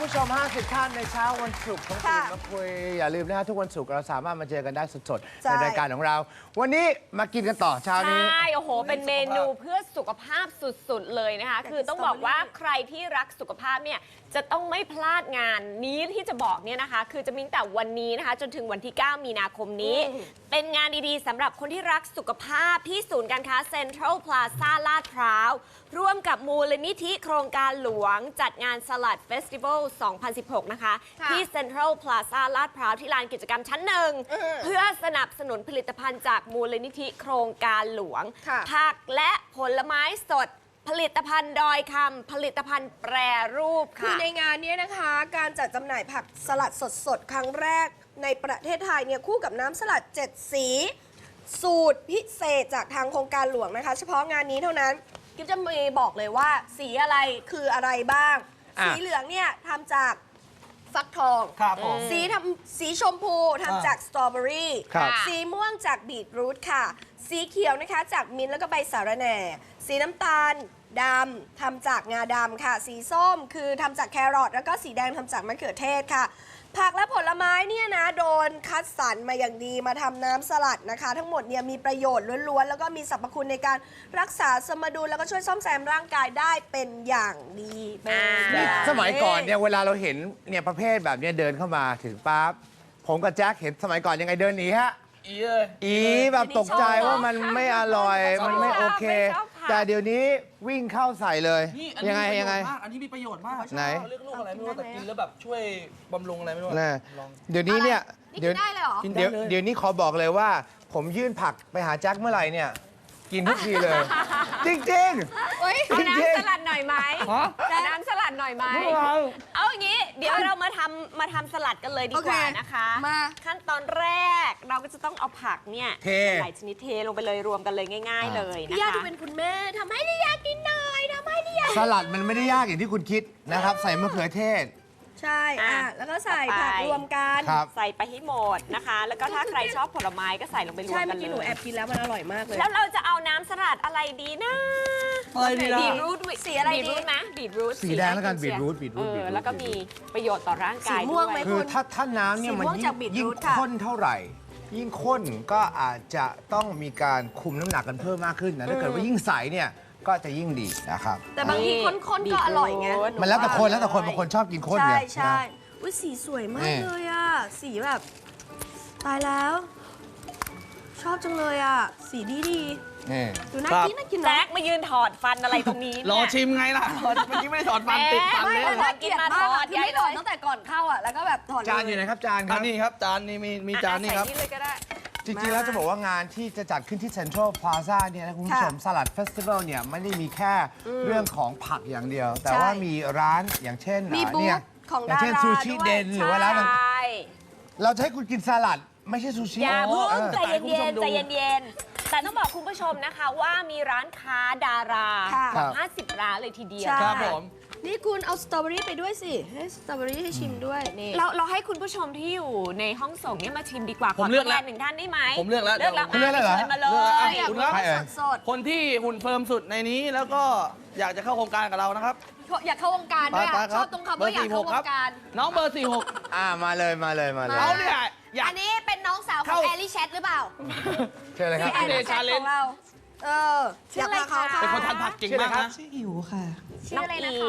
ผู้ชม 50 ท่านในเช้าวันศุกร์ของตื่นมาคุยอย่าลืมนะฮะทุกวันศุกร์เราสามารถมาเจอกันได้สดๆในรายการของเรา วันนี้มากินกันต่อเช้านี้ใช่โอ้โหเป็นเมนูเพื่อสุขภาพสุดๆเลยนะคะคือต้องบอกว่าใครที่รักสุขภาพเนี่ยจะต้องไม่พลาดงานนี้ที่จะบอกเนี่ยนะคะคือจะมีตั้งแต่วันนี้นะคะจนถึงวันที่ 9 มีนาคมนี้เป็นงานดีๆสำหรับคนที่รักสุขภาพที่ศูนย์การค้าเซ็นทรัลพลาซ่าลาดพร้าวร่วมกับมูลนิธิโครงการหลวงจัดงานสลัดเฟสติวัล 2016 นะคะที่เซ็นทรัลพลาซ่าลาดพร้าวที่ลานกิจกรรมชั้นหนึ่งเพื่อสนับสนุนผลิตภัณฑ์จากมูลนิธิโครงการหลวงผักและผลไม้สดผลิตภัณฑ์ดอยคำผลิตภัณฑ์แปรรูปค่ะคือในงานนี้นะคะการจัดจำหน่ายผักสลัดสดๆครั้งแรกในประเทศไทยเนี่ยคู่กับน้ำสลัด7สีสูตรพิเศษจากทางโครงการหลวงนะคะเฉพาะงานนี้เท่านั้นกิ๊บจะมีบอกเลยว่าสีอะไรคืออะไรบ้างสีเหลืองเนี่ยทำจากฟักทองสีชมพูทำจากสตรอเบอรี่สีม่วงจากบีทรูทค่ะสีเขียวนะคะจากมิ้นท์แล้วก็ใบสาระแหน่สีน้ำตาลดำทำจากงาดำค่ะสีส้มคือทำจากแครอทแล้วก็สีแดงทำจากมะเขือเทศค่ะผักและผลไม้เนี่ยนะโดนคัดสรรมาอย่างดีมาทำน้ำสลัดนะคะทั้งหมดเนี่ยมีประโยชน์ล้วนๆแล้วก็มีสรรพคุณในการรักษาสมดุลแล้วก็ช่วยซ่อมแซมร่างกายได้เป็นอย่างดีนี่สมัยก่อนเนี่ยเวลาเราเห็นเนี่ยประเภทแบบนี้เดินเข้ามาถึงปั๊บผมกับแจ็คเห็นสมัยก่อนยังไงเดินหนีฮะอีแบบตกใจว่ามันไม่อร่อยมันไม่โอเคแต่เดี๋ยวนี้วิ่งเข้าใส่เลยยังไงอันนี้มีประโยชน์มากไหนเลือกลูกอะไรไม่รู้แต่กินแล้วแบบช่วยบำรุงอะไรไม่รู้เดี๋ยวนี้เนี่ยเดี๋ยวนี้ขอบอกเลยว่าผมยื่นผักไปหาแจ็คเมื่อไหร่เนี่ยกินทุกทีเลยจริงๆเอาน้ำสลัดหน่อยไหมน้ำสลัดหน่อยไหมเอาอย่างนี้เดี๋ยวเรามาทำสลัดกันเลยดีกว่านะคะขั้นตอนแรกเราก็จะต้องเอาผักเนี่ยหลายชนิดเทลงไปเลยรวมกันเลยง่ายๆเลยนะคะพี่ยาดูเป็นคุณแม่ทำให้ดิยากินหน่อยทำให้ดิยาสลัดมันไม่ได้ยากอย่างที่คุณคิดนะครับใส่มะเขือเทศใช่แล้วก็ใส่ผักรวมกันใส่ไปให้หมดนะคะแล้วก็ถ้าใครชอบผลไม้ก็ใส่ลงไปรวมกันเลยใช่เมื่อกี้หนูแอบกินแล้วมันอร่อยมากเลยแล้วเราจะเอาน้ำสลัดอะไรดีนะบีทรูทสีอะไรดีนะบีทรูทสีแดงแล้วกันบีทรูทแล้วก็มีประโยชน์ต่อร่างกายด้วยคือถ้าน้ำเนี่ยมันยิ่งข้นเท่าไหร่ยิ่งข้นก็อาจจะต้องมีการคุมน้ำหนักกันเพิ่มมากขึ้นนะถ้าเกิดว่ายิ่งใสเนี่ยก็จะยิ่งดีนะครับแต่บางทีข้นๆก็อร่อยไงมันแล้วแต่คนบางคนชอบกินข้นไงใช่อุ้ยสีสวยมากเลยอ่ะสีแบบตายแล้วชอบจังเลยอ่ะสีดีดูน่ากินแจ็คมายืนถอดฟันอะไรตรงนี้รอชิมไงล่ะเมื่อกี้ไม่ถอดฟันติดฟันเลยน่ากินมากที่ไม่ถอดตั้งแต่ก่อนเข้าอ่ะแล้วก็แบบถอดจานอยู่ไหนครับจานครับนี่ครับจานนี่มีจานนี่ครับจริงๆแล้วจะบอกว่างานที่จะจัดขึ้นที่เซ็นทรัลพลาซ่าเนี่ยนะคุณผู้ชมสลัดเฟสติวัลเนี่ยไม่ได้มีแค่เรื่องของผักอย่างเดียวแต่ว่ามีร้านอย่างเช่นเนี่ยอย่างเช่นซูชิเดนหรือว่าร้านเราจะให้คุณกินสลัดไม่ใช่ซูชิอย่าเพิ่งใจเย็นแต่ต้องบอกคุณผู้ชมนะคะว่ามีร้านค้าดารากว่า50 ร้านเลยทีเดียวครับผมนี่คุณเอาสตรอเบอรี่ไปด้วยสิให้สตรอเบอรี่ให้ชิมด้วยนี่เราให้คุณผู้ชมที่อยู่ในห้องส่งเนี่ยมาชิมดีกว่าผมเลือกแล้ว 1 ท่านได้ไหมผมเลือกแล้วคุณเลือกเหรอมาเลยคุณครับคนที่หุ่นเฟิร์มสุดในนี้แล้วก็อยากจะเข้าโครงการกับเรานะครับอยากเข้าวงการด้วยชอบตรงคำว่าอยากเข้าวงการน้องเบอร์46 มาเลยเอาเนี่ยอันนี้เป็นน้องสาวของแอลลี่แชทหรือเปล่าเชิญเลยครับแอลลี่แชทของเราชื่ออะไรคะเป็นคนทานผักเก่งมากนะชื่ออิ๋วค่ะน้อง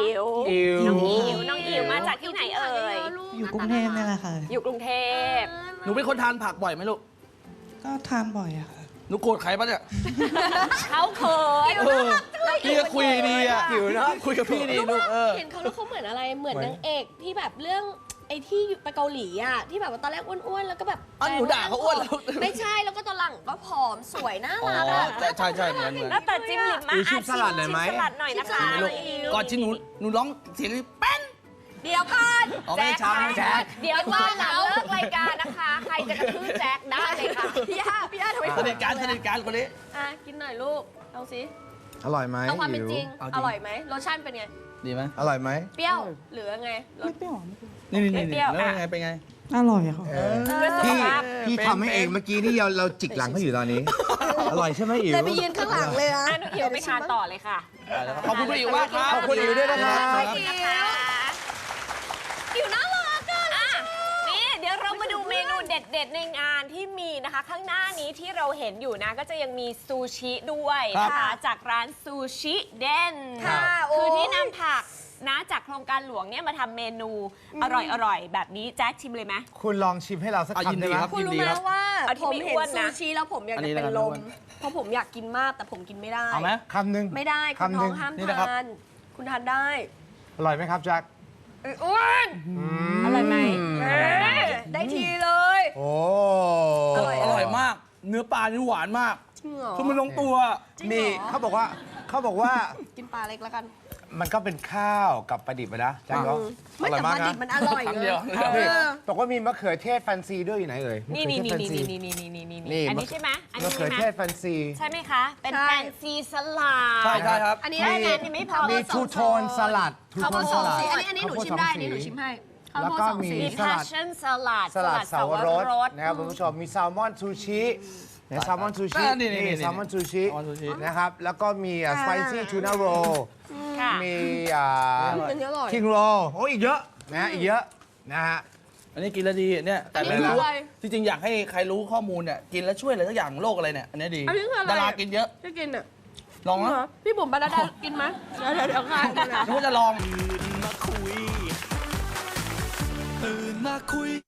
อิ๋วมาจากที่ไหนเอ่ยอยู่กรุงเทพนี่แหละค่ะอยู่กรุงเทพหนูเป็นคนทานผักบ่อยไหมลูกก็ทานบ่อยอะค่ะหนูโกรธใครปะเนี่ยเขาเขินพี่ก็คุยดีอะอิ๋วนะคุยกับพี่ดีลูกเห็นเขาแล้วเขาเหมือนอะไรเหมือนนางเอกที่แบบเรื่องไอ้ที่ไปเกาหลีอ่ะที่แบบว่าตอนแรกอ้วนๆแล้วก็แบบหนูด่าเขาอ้วนแล้วไม่ใช่แล้วก็ตอนหลังก็ผอมสวยน่ารักอ่ะใช่เหมือนแล้วแต่จิ้มลิปมาชิมสลัดหน่อยไหมสลัดหน่อยนะคะก่อนที่หนูร้องเสียงแป้นเดี๋ยวก่อนแจ็คเดี๋ยวว่าหลังเลิกรายการนะคะใครจะกระทืบแจ็คได้เลยค่ะพี่ย่าทำไมสนิทการคนนี้กินหน่อยลูกเอาสิอร่อยไหมเอาความเป็นจริงอร่อยไหมรสชาติเป็นไงดีไหมอร่อยไหมเปรี้ยวหรือไงไม่เปรี้ยวนี่แล้วไงเป็นไงอร่อยค่ะพี่ทำให้เองเมื่อกี้นี่เราจิกหลังเขาอยู่ตอนนี้อร่อยใช่ไหมอิ๋วเลยไปยืนข้างหลังเลยนะน้องอิ๋วไปทานต่อเลยค่ะขอบคุณอิ๋วมากครับขอบคุณอิ๋วด้วยนะครับอิเดี๋ยวเรามาดูเมนูเด็ดๆในงานที่มีนะคะ ข้างหน้านี้ที่เราเห็นอยู่นะ ก็จะยังมีซูชิด้วยนะคะ จากร้านซูชิเด่นค่ะคือที่โยนำผักนะจากโครงการหลวงเนี่ยมาทำเมนูอร่อยๆ แบบนี้แจ็คชิมเลยไหมคุณลองชิมให้เราสักยินคำดีได้ไหมครับคุณรู้ไหมว่าเอาที่ผมไม่เห็นอ้วนซูนะชิแล้วผมอยากอันจะนี้เป็นนะครับลไม่มอ้วนเพราะผมอยากกินมากแต่ผมกินไม่ได้เอาไหมคำหนึ่งไม่ได้คุณคำหท้นึ่อง งห้ามนี่นะครับทาน คุณทานได้อร่อยไหมครับแจ็คอ้วนอร่อยไหมได้ทีเลยโอ้อร่อยอร่อยมาก เนื้อปลานี่หวานมากจริงเหรอคือมันลงตัวจริงเหรอนี่เขาบอกว่ากินปลาเล็กแล้วกันมันก็เป็นข้าวกับปลาดิบอะนะแจ็คเนาะไม่แต่ปลาดิบมันอร่อยคำเลเดียยวนี่บอกว่ามีมะเขือเทศแฟนซีด้วยอยู่ไหนเอ่ยนี่มะนี่เขือนี่เทศแฟนี่ซีนี่นี่นี่อันนี้ใช่ไหมอันมะนี้เขืใช่อไหมเทศแฟนซีใช่ไหมคะ เป็นใช่แฟนซีสลัดใช่ใช่ครับอันนี้แค่ได้นั้นยังไม่พอมีทูโทนสลัดทูข้าวโทโพนดสสองลัดสีอันนี้หนูชิมได้ อันนี้หนูชิมให้ข้าวแล้วโพดก็สองมีสีมี passion สลัดสลัดเสาวรสนะครับคุณผู้ชมมีแซลมอนซูชิแซลมอนซูชินี่แซลมอนซูชิแซลมอนซูชินะครับแล้วก็มีสไปซี่ทูน่าโรค่ะมีอันนี้อร่อยคิงโรโอ้อีกเยอะนะอีกเยอะนะฮะอันนี้กินแล้วดีเนี่ยแต่ไม่อันนี้รู้คืออะไรที่จริงอยากให้ใครรู้ข้อมูลเนี่ยกินแล้วช่วยอะไรสักอย่างโรคอะไรเนี่ยอันนี้ดีอันนี้คืออะไรดารากินเยอะจะกินอ่ะลองนะพี่บุ๋มบรรดากินไหมเดี๋ยวค่ะนึกว่าจะลองตื่นมาคุย